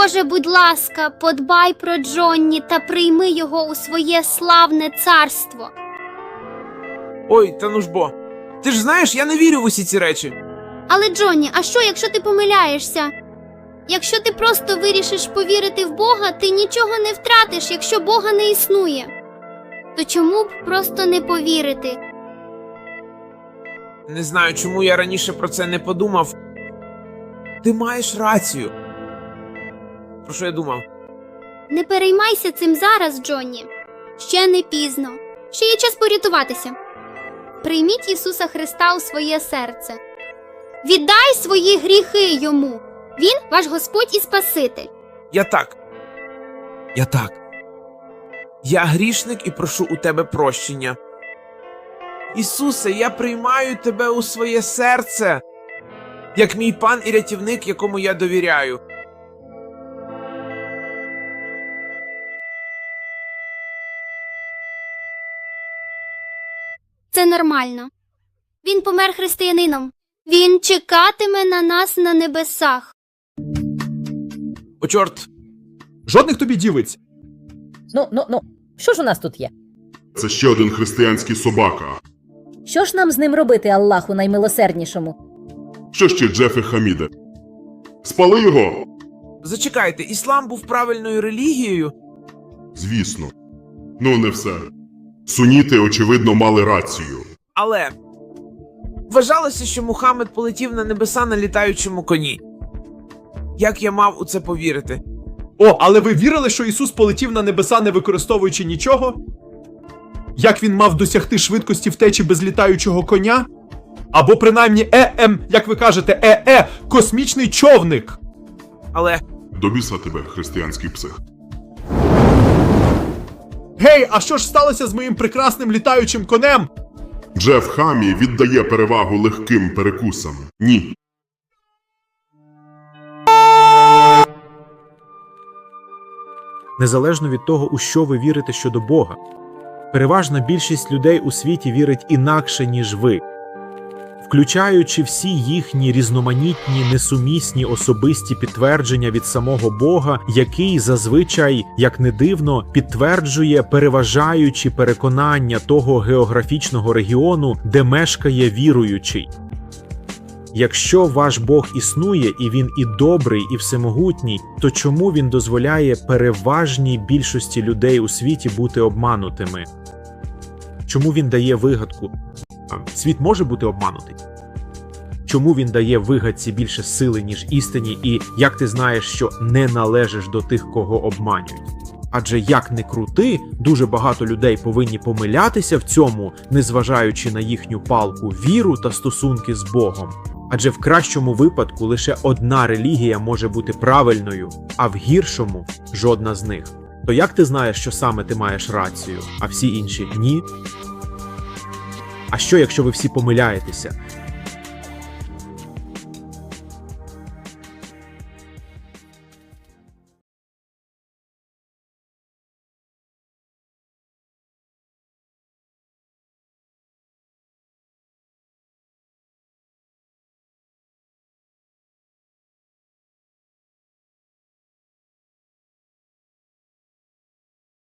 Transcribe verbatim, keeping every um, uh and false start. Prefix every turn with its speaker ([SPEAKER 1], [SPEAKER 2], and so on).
[SPEAKER 1] Боже, будь ласка, подбай про Джонні та прийми його у своє славне царство.
[SPEAKER 2] Ой, та ну ж бо. Ти ж знаєш, я не вірю в усі ці речі.
[SPEAKER 1] Але, Джонні, а що, якщо ти помиляєшся? Якщо ти просто вирішиш повірити в Бога, ти нічого не втратиш, якщо Бога не існує. То чому б просто не повірити?
[SPEAKER 2] Не знаю, чому я раніше про це не подумав. Ти маєш рацію. Про що я думав?
[SPEAKER 1] Не переймайся цим зараз, Джонні. Ще не пізно. Ще є час порятуватися. Прийміть Ісуса Христа у своє серце. Віддай свої гріхи Йому. Він – ваш Господь і Спаситель.
[SPEAKER 2] Я так. Я так. Я грішник і прошу у тебе прощення. Ісусе, я приймаю тебе у своє серце, як мій пан і рятівник, якому я довіряю.
[SPEAKER 1] Це нормально. Він помер християнином. Він чекатиме на нас на небесах.
[SPEAKER 2] О, чорт.
[SPEAKER 3] Жодних тобі дівиць.
[SPEAKER 4] Ну, ну, ну, що ж у нас тут є?
[SPEAKER 5] Це ще один християнський собака.
[SPEAKER 4] Що ж нам з ним робити, Аллаху наймилосерднішому?
[SPEAKER 5] Що ще, Джефе Хаміде? Спали його?
[SPEAKER 2] Зачекайте, іслам був правильною релігією?
[SPEAKER 5] Звісно. Ну, не все. Суніти, очевидно, мали рацію.
[SPEAKER 2] Але вважалося, що Мухаммед полетів на небеса на літаючому коні. Як я мав у це повірити?
[SPEAKER 3] О, але ви вірили, що Ісус полетів на небеса, не використовуючи нічого? Як він мав досягти швидкості втечі без літаючого коня? Або принаймні е-ем, як ви кажете, е-е, космічний човник.
[SPEAKER 2] Але
[SPEAKER 5] До біса тебе, християнський псих.
[SPEAKER 3] Гей, а що ж сталося з моїм прекрасним літаючим конем?
[SPEAKER 5] Джеф Хамі віддає перевагу легким перекусам. Ні.
[SPEAKER 6] Незалежно від того, у що ви вірите щодо Бога. Переважна більшість людей у світі вірить інакше, ніж ви. Включаючи всі їхні різноманітні, несумісні особисті підтвердження від самого Бога, який зазвичай, як не дивно, підтверджує переважаючі переконання того географічного регіону, де мешкає віруючий. Якщо ваш Бог існує, і він і добрий, і всемогутній, то чому він дозволяє переважній більшості людей у світі бути обманутими? Чому він дає вигадку? Світ може бути обманутий? Чому він дає вигадці більше сили, ніж істині, і як ти знаєш, що не належиш до тих, кого обманюють? Адже як не крути, дуже багато людей повинні помилятися в цьому, незважаючи на їхню палку віру та стосунки з Богом. Адже в кращому випадку лише одна релігія може бути правильною, а в гіршому – жодна з них. То як ти знаєш, що саме ти маєш рацію, а всі інші – ні? А що, якщо ви всі помиляєтеся?